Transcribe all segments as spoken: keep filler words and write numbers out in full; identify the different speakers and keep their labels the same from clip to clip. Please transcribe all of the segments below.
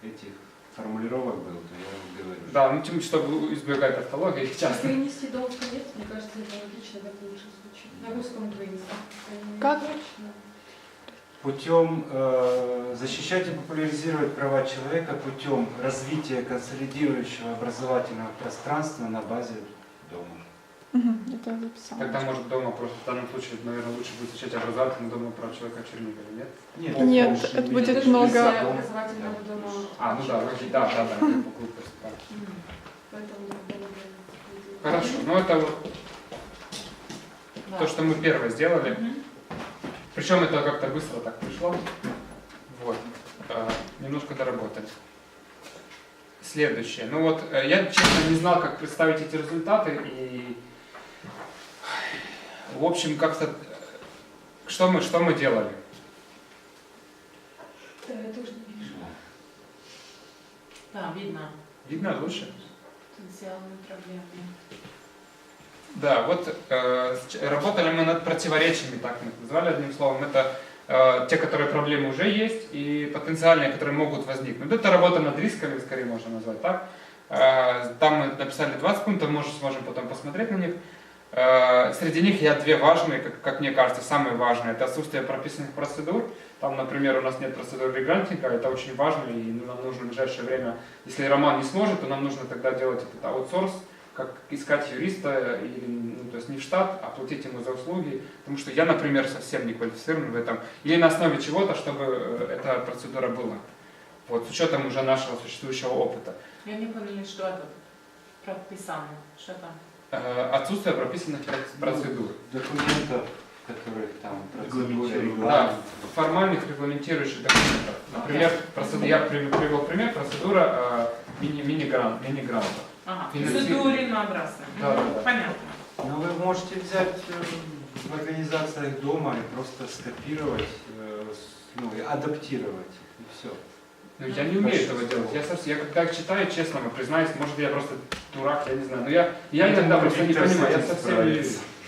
Speaker 1: этих формулировок был, то я говорю.
Speaker 2: Да, ну тем, чтобы избегать автологии часто.
Speaker 3: Вынести долг нет, мне кажется, это логично, так лучше звучит. На русском вынести.
Speaker 4: Как?
Speaker 1: Путем э, защищать и популяризировать права человека путем развития консолидирующего образовательного пространства на базе дома.
Speaker 4: Угу, это я записала.
Speaker 2: Тогда, может, дома просто в данном случае, наверное, лучше будет изучать образовательный дома прав человека в Чернигове, нет?
Speaker 1: Нет,
Speaker 4: Нет,
Speaker 1: больше
Speaker 4: это
Speaker 1: не
Speaker 4: будет
Speaker 1: видно.
Speaker 4: много-
Speaker 3: Если образовательного дома.
Speaker 2: А, ну да, вроде, да, да, да, я попутал, да.
Speaker 3: Поэтому было бы-
Speaker 2: Хорошо, ну это вот
Speaker 5: Да.
Speaker 2: то, что мы первое сделали.
Speaker 5: Мгм.
Speaker 2: Причем это как-то быстро так пришло. Вот. Э, немножко доработали. Следующее. Ну вот, э, я честно не знал, как представить эти результаты. И, в общем, как-то... э, Что мы, что мы делали?
Speaker 3: Да, я тоже не вижу.
Speaker 5: Да, видно.
Speaker 2: Видно лучше?
Speaker 5: Потенциальные проблемы.
Speaker 2: Да, вот э, с- работали мы над противоречиями, так мы их назвали одним словом. Это э, те, которые проблемы уже есть, и потенциальные, которые могут возникнуть. Это работа над рисками, скорее можно назвать так. Э, там мы написали двадцать пунктов, может, сможем потом посмотреть на них. Э, среди них я две важные, как, как мне кажется, самые важные. Это отсутствие прописанных процедур. Там, например, у нас нет процедуры регрантинга, это очень важно, и ну, нам нужно в ближайшее время, если Роман не сможет, то нам нужно тогда делать этот аутсорс, как искать юриста, или, ну, то есть не в штат, а платить ему за услуги, потому что я, например, совсем не квалифицирован в этом, или на основе чего-то, чтобы э, эта процедура была, вот, с учетом уже нашего существующего опыта.
Speaker 5: Я не поняла, что это прописано. Что там?
Speaker 2: Э, Отсутствие прописанных проц- процедур.
Speaker 1: Документов, которые там процедуры,
Speaker 2: Да,
Speaker 1: регламент.
Speaker 2: формальных регламентирующих документов. Например, процеду- я при- привел пример, процедура э, мини- мини-грант, мини-гранта.
Speaker 5: Ага,
Speaker 2: Финансирование.
Speaker 5: процедурно-образно.
Speaker 2: Да, да, да.
Speaker 5: Понятно.
Speaker 1: Но вы можете взять э, в организациях дома и просто скопировать, э, с- ну, и адаптировать, и все.
Speaker 2: Ну, я не умею этого делать. Я, совсем, я когда читаю, честно вам признаюсь, может я просто дурак, я не знаю. Но я, я иногда просто не понимаю, я совсем не...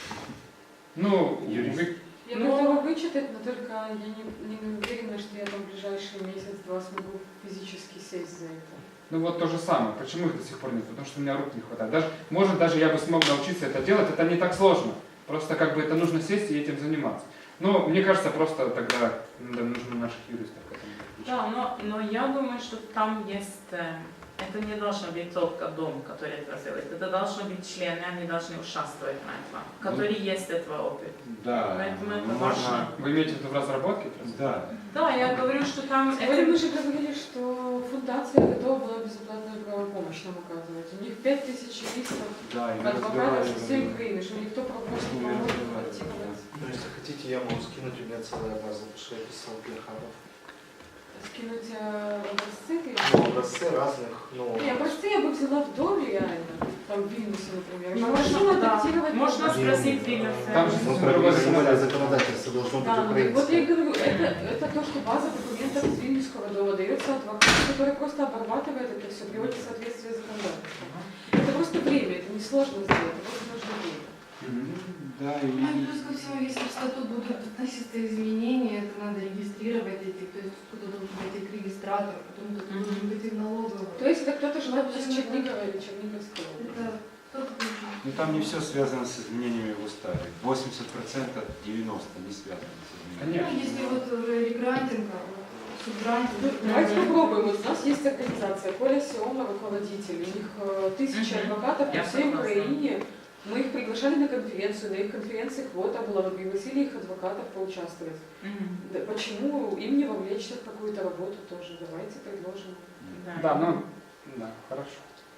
Speaker 2: Ну,
Speaker 1: Юрист.
Speaker 2: вы-
Speaker 3: Я
Speaker 5: Ну,
Speaker 3: готова вычитать, но только я не, не уверена, что я там в ближайший месяц-два смогу физически сесть за это.
Speaker 2: ну вот то же самое. Почему их до сих пор нет? Потому что у меня рук не хватает. Даже, может, даже я бы смог научиться это делать, это не так сложно. Просто как бы это нужно сесть и этим заниматься. Но мне кажется, просто тогда да, нужно наших юристов к этому подключить.
Speaker 5: Да, но, но я думаю, что там есть... э, Это не должно быть только дом, который это делает. Это должны быть члены, они должны участвовать на этом, которые есть этого опыт.
Speaker 1: Да,
Speaker 5: Поэтому это
Speaker 1: можно-
Speaker 5: важно.
Speaker 2: Вы имеете в виду в разработке?
Speaker 1: Да.
Speaker 5: Да, я говорю, что там...
Speaker 3: Сегодня
Speaker 5: это-
Speaker 3: мы же говорили, что фундация готова была безоплатную правовую помощь нам оказывать. У них пять тысяч юристов,
Speaker 1: Да, и мы
Speaker 3: адвокатов со всей
Speaker 1: разговаривали.
Speaker 3: Украины, что никто правомочно
Speaker 1: Мы
Speaker 3: не может
Speaker 1: разговаривали,
Speaker 3: адаптировать.
Speaker 6: Ну, если хотите, я могу скинуть, у меня целая база, потому что я писал для хабов.
Speaker 3: Скинуть э, образцы или-
Speaker 6: Ну, образцы разных, ну...
Speaker 3: Не, образцы я бы взяла в доме реально, там в Вильнюсе, например.
Speaker 5: Ну,
Speaker 3: Можно
Speaker 5: можно, да.
Speaker 3: адаптировать.
Speaker 5: Можно
Speaker 3: под-
Speaker 5: спросить Вильнюса.
Speaker 2: Там же
Speaker 6: Ну,
Speaker 2: совсем
Speaker 6: про
Speaker 2: другое
Speaker 6: национальное
Speaker 2: законодательство.
Speaker 6: законодательство должно быть
Speaker 3: Да, ну, так вот я и
Speaker 6: украинское.
Speaker 3: говорю, это, это то, что база документов из Вильнюсского дома дается адвокату, который просто обрабатывает это все, приводит в соответствие с законодательством. Это просто время, это несложно сделать, это просто нужно время.
Speaker 2: Мгм.
Speaker 1: Да, и...
Speaker 7: Ну и плюс ко всему, если в статут будут относиться изменения, это надо регистрировать эти, то есть кто-то должен быть их регистратор, потом кто-то должен быть их налоговый.
Speaker 3: То есть это кто-то желает из Чернигова или Черниговской области.
Speaker 7: Это кто-то должен.
Speaker 1: Ну там не все связано с изменениями в уставе. восемьдесят процентов, девяносто процентов не связано с изменениями.
Speaker 7: Ну, если вот уже регрантинг, а вот субгрантинг.
Speaker 3: Ну, давайте попробуем. Вот у нас есть организация Коля Сиома, руководитель. У них э, тысячи
Speaker 5: Мгм.
Speaker 3: адвокатов по
Speaker 5: Я
Speaker 3: всей
Speaker 5: согласна.
Speaker 3: Украине. Мы их приглашали на конференцию, на их конференции квота была, мы пригласили их адвокатов поучаствовать.
Speaker 5: Мгм.
Speaker 3: Да, почему им не вовлечься в какую-то работу тоже? Давайте предложим.
Speaker 2: Да, ну, да, хорошо.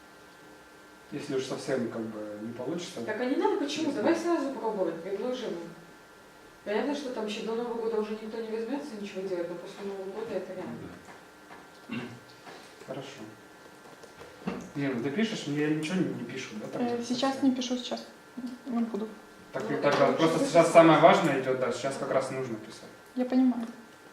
Speaker 2: Если уж совсем как бы не получится.
Speaker 3: Так а не надо почему? Давай сразу пробовать, предложим. Понятно, что там еще до Нового года уже никто не возьмется ничего делать, но после Нового года это реально.
Speaker 2: Хорошо. Не, ну ты пишешь, мне я ничего не, не пишу, да? так?
Speaker 4: Э, Сейчас не пишу, сейчас не буду.
Speaker 2: Так,
Speaker 3: Ну,
Speaker 2: так,
Speaker 3: это
Speaker 2: просто
Speaker 3: лучше
Speaker 2: сейчас
Speaker 3: писать.
Speaker 2: самое важное идет, да, сейчас как раз нужно писать.
Speaker 4: Я понимаю.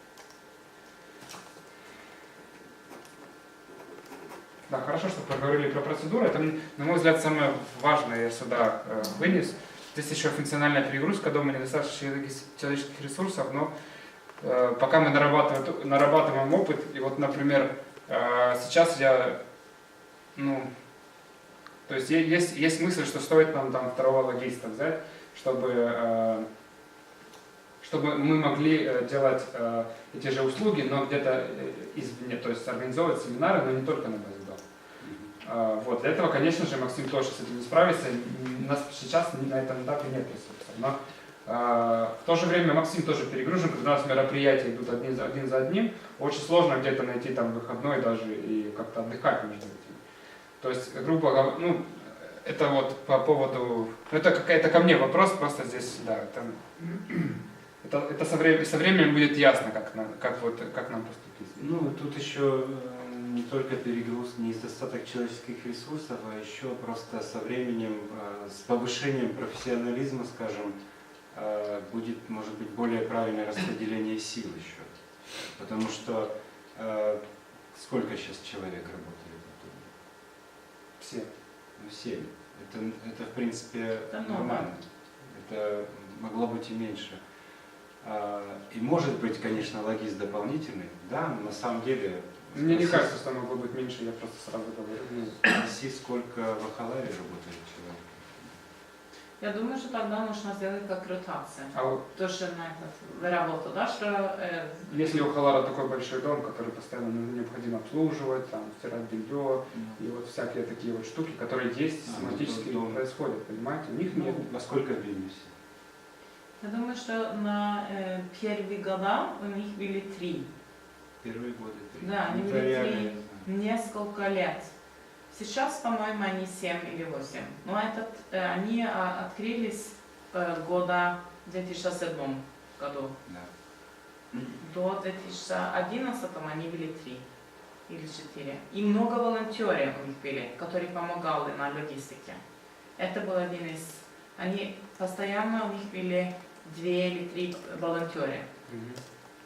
Speaker 2: Да, хорошо, что поговорили про процедуру. Это, на мой взгляд, самое важное я сюда э, вынес. Здесь еще функциональная перегрузка дома, недостаточно человеческих ресурсов, но э, пока мы нарабатываем, нарабатываем опыт, и вот, например, Э, Сейчас я, ну, то есть е- есть, есть мысль, что стоит нам там второго логиста взять, чтобы, э, чтобы мы могли э, делать э, эти же услуги, но где-то э, извне, то есть организовывать семинары, но не только на базе дома. Э, Вот, для этого, конечно же, Максим тоже с этим не справится, у нас сейчас на этом этапе нет ресурсов. Но э, в то же время Максим тоже перегружен, когда у нас мероприятия идут один за, один за одним, очень сложно где-то найти там выходной даже и как-то отдыхать между этими. То есть, грубо говоря, ну, это вот по поводу, ну, это какая-то ко мне вопрос, просто здесь, да, это, это, это со, временем, со временем будет ясно, как, нам, как, вот, как нам поступить.
Speaker 1: Ну, тут еще э, не только перегруз, недостаток человеческих ресурсов, а еще просто со временем, э, с повышением профессионализма, скажем, э, будет, может быть, более правильное распределение сил еще. Потому что э, сколько сейчас человек работает в доме?
Speaker 2: Все.
Speaker 1: Ну, семь. Это, это, в принципе,
Speaker 5: Это много.
Speaker 1: нормально. Это могло быть и меньше. А, И может быть, конечно, логист дополнительный, да, но на самом деле...
Speaker 2: Мне не
Speaker 1: спроси-
Speaker 2: кажется, что могло быть меньше, я просто сразу говорю. ну,
Speaker 1: Спроси, сколько в Ахаларе работает человек.
Speaker 5: Я думаю, что тогда нужно сделать как ротация.
Speaker 2: А вот
Speaker 5: Тоже на этот работу, да, что э,
Speaker 2: если у Халара такой большой дом, который постоянно ну, необходимо обслуживать, там, стирать белье, и вот всякие такие вот штуки, которые есть,
Speaker 1: А, ну,
Speaker 2: систематически
Speaker 1: то дом.
Speaker 2: происходят, понимаете? У них
Speaker 1: Ну,
Speaker 2: нет.
Speaker 1: во сколько в Вильнюсе?
Speaker 5: я думаю, что на э, первые года у них были три,
Speaker 1: Первые годы три.
Speaker 5: Да, они
Speaker 1: Это
Speaker 5: были
Speaker 1: реально,
Speaker 5: три.
Speaker 1: я знаю.
Speaker 5: несколько лет. Сейчас, по-моему, они семь или восемь. Но этот, э, они а, открылись э, года в две тысячи седьмом году.
Speaker 1: Да.
Speaker 5: До две тысячи одиннадцатого они были три или четыре. И много волонтеров у них были, которые помогали на логистике. Это был один из... Они постоянно, у них были две или три волонтеры.
Speaker 2: Мгм.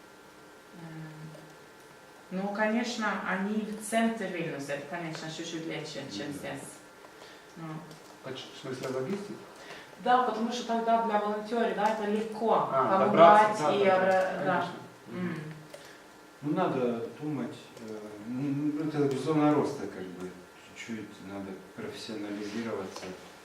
Speaker 5: Эм, Ну, конечно, они в центре Вильнюса, это, конечно, чуть-чуть легче, чем здесь. Ну.
Speaker 2: Поч- В смысле логистики?
Speaker 5: Да, потому что тогда для волонтеров, да, это легко
Speaker 2: А,
Speaker 5: помогать
Speaker 2: добраться, да,
Speaker 5: и...
Speaker 2: да,
Speaker 5: ра- да.
Speaker 2: конечно.
Speaker 5: М.
Speaker 1: Ну, надо думать, э, ну, это зона роста, как бы, чуть-чуть надо профессионализироваться.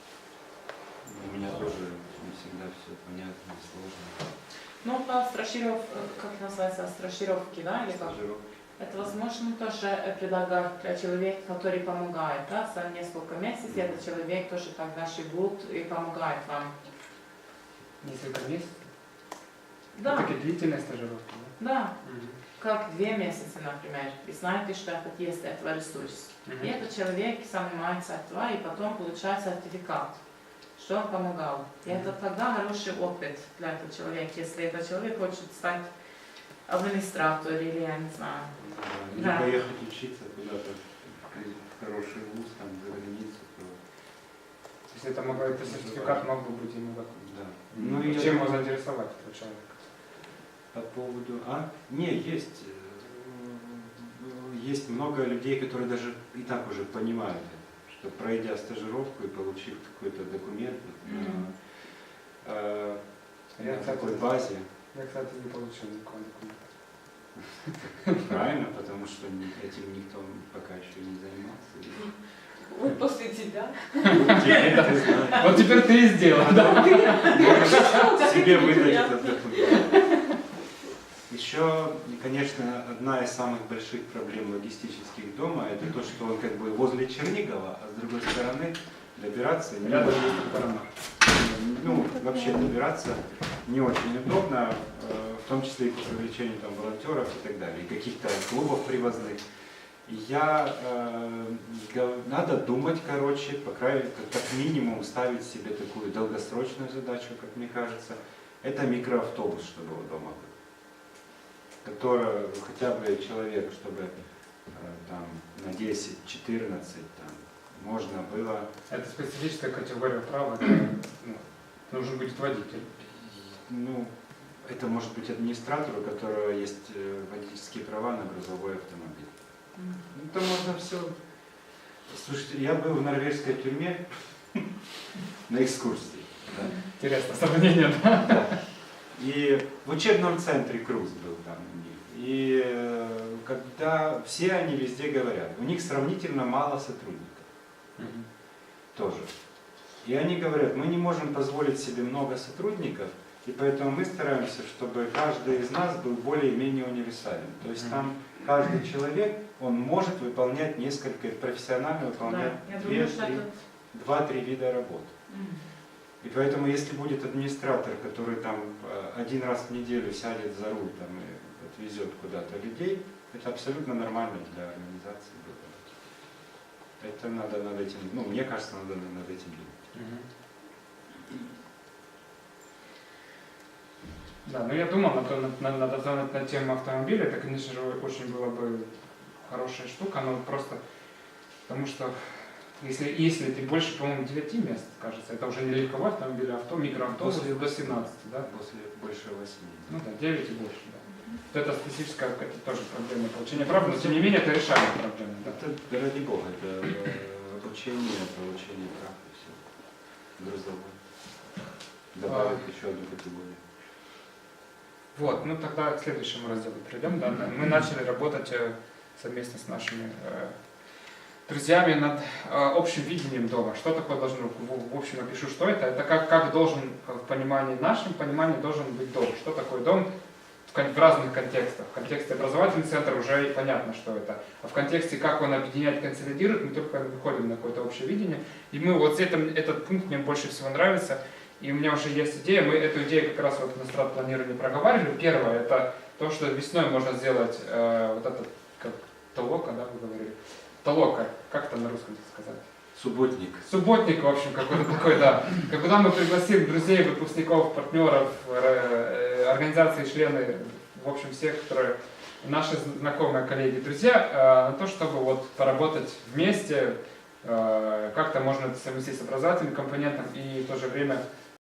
Speaker 1: У меня тоже не всегда все понятно, сложно.
Speaker 5: Ну, по страширов, как называется, страшировки, да, или как?
Speaker 1: Стажировки.
Speaker 5: Это возможно тоже э, предлагать для человека, который помогает, да, за несколько месяцев этот человек тоже тогда живут и помогает вам.
Speaker 2: Несколько месяцев?
Speaker 5: Да,
Speaker 2: Такие длительные стажировки, да?
Speaker 5: да,
Speaker 2: Мгм.
Speaker 5: как две месяца, например. Вы знаете, что это есть этого ресурс.
Speaker 2: Мгм.
Speaker 5: И этот человек занимается этого и потом получает сертификат, что он помогал. И это тогда хороший опыт для этого человека, если этот человек хочет стать администратором или, я не знаю.
Speaker 1: Да, или
Speaker 5: Да.
Speaker 1: поехать учиться куда-то в хороший вуз, там, за границу, то
Speaker 2: Если это, мог, это сертификат мог бы быть ему такой.
Speaker 1: да.
Speaker 2: Ну,
Speaker 1: и
Speaker 2: чем
Speaker 1: я-
Speaker 2: его заинтересовать, этого человека?
Speaker 1: По поводу... А? Не, есть. э, Есть много людей, которые даже и так уже понимают это, что пройдя стажировку и получив какой-то документ вот, на
Speaker 5: Мгм.
Speaker 1: э,
Speaker 2: Я,
Speaker 1: на
Speaker 2: кстати,
Speaker 1: такой базе,
Speaker 2: Я, кстати, не получил никакого документа.
Speaker 1: правильно, потому что ни- этим никто пока еще не занимался.
Speaker 3: Вот после тебя.
Speaker 1: Теперь ты знаешь.
Speaker 2: Вот теперь ты и сделал, да?
Speaker 1: Можешь себе выдать этот документ. Еще, конечно, одна из самых больших проблем логистических дома это то, что он как бы возле Чернигова, а с другой стороны добираться не
Speaker 2: Рядом
Speaker 1: очень,
Speaker 2: есть сторона.
Speaker 1: ну, вообще добираться не очень удобно, э, в том числе и по привлечению там волонтеров и так далее, и каких-то клубов привозных. И я, э, гов- надо думать, короче, по крайней как, как минимум ставить себе такую долгосрочную задачу, как мне кажется, это микроавтобус, чтобы у дома был, который хотя бы человек, чтобы э, там на десять-четырнадцать там можно было.
Speaker 2: Это специфическая категория права, это, ну, нужен будет водитель.
Speaker 1: Ну, это может быть администратор, у которого есть э, водительские права на грузовой автомобиль.
Speaker 5: М.
Speaker 1: Ну, то можно все. Слушайте, я был в норвежской тюрьме на экскурсии. Да.
Speaker 2: Интересно, сравнение, да?
Speaker 1: И в учебном центре Круз был там у них. И э, когда все они везде говорят, у них сравнительно мало сотрудников
Speaker 2: Мгм.
Speaker 1: тоже. И они говорят, мы не можем позволить себе много сотрудников, и поэтому мы стараемся, чтобы каждый из нас был более-менее универсален. То есть там каждый человек, он может выполнять несколько, профессионально выполнять
Speaker 5: Да, я
Speaker 1: две,
Speaker 5: думаю, что
Speaker 1: три,
Speaker 5: это...
Speaker 1: два-три вида работ.
Speaker 5: Мгм.
Speaker 1: И поэтому, если будет администратор, который там э, один раз в неделю сядет за руль там, и отвезет куда-то людей, это абсолютно нормально для организации. Это надо над этим, ну, мне кажется, надо над этим думать.
Speaker 2: Мгм. Да, ну я думал, на, то- на, на, на, на, на тему автомобиля, это, конечно же, очень была бы хорошая штука, но просто потому что если, если ты больше, по-моему, девяти мест, кажется, это уже не легковой автомобиль, а авто, микроавтобус
Speaker 1: После
Speaker 2: до семнадцати, да?
Speaker 1: После больше восьми.
Speaker 2: Ну да, девять и больше, да. Вот это специфическая, это тоже проблема получения прав, но тем не менее это решаемая проблема, да.
Speaker 1: Это, ради бога, это э, обучение, получение прав и все. Грузовой. Добавить еще одну категорию.
Speaker 2: Вот, ну тогда к следующему разделу перейдем. Да, да. Мы начали работать э, совместно с нашими э, друзьями над э, общим видением дома. Что такое должно быть? В, в общем, напишу, что это. Это как, как должен, э, в понимании, нашем понимании должен быть дом. Что такое дом в, кон- в разных контекстах. В контексте образовательный центр уже и понятно, что это. А в контексте, как он объединяет, консолидирует, мы только выходим на какое-то общее видение. И мы вот этом, этот пункт мне больше всего нравится. И у меня уже есть идея, мы эту идею как раз вот на стратпланировании проговаривали. Первое, это то, что весной можно сделать э, вот этот, как толока, да, вы говорили? Толока, как это на русском сказать?
Speaker 1: Субботник.
Speaker 2: Субботник, в общем, какой-то такой, да. Когда мы пригласим друзей, выпускников, партнеров, э, организации, члены, в общем, всех, которые наши знакомые, коллеги, друзья, э, на то, чтобы вот поработать вместе, э, как-то можно это совместить с образовательным компонентом и в то же время